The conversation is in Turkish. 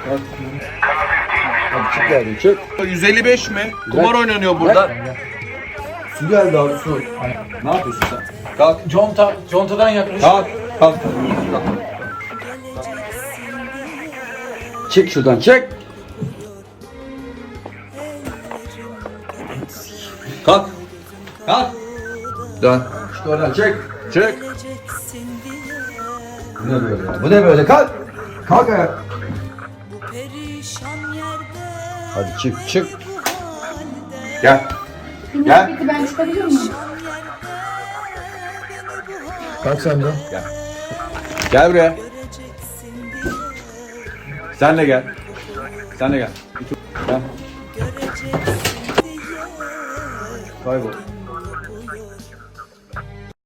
Hadi çık geldin çık. 155 mi? Kumar oynanıyor burada. Su geldi abi su. Ne yapıyorsun sen? Kalk. Contadan yaklaş. Kalk. Kalk. Çık şuradan çık. Kalk. Kalk. Dön. Çık oradan çık. Çık. Bu ne böyle ya? Bu ne böyle? Kalk. Kalk ayağa. Hadi çık çık. Gel. Gel. Peki ben çıkabiliyor muyum? Kalk sen de. Gel buraya. Sen de gel. Sen de gel. Gel. Kaybol.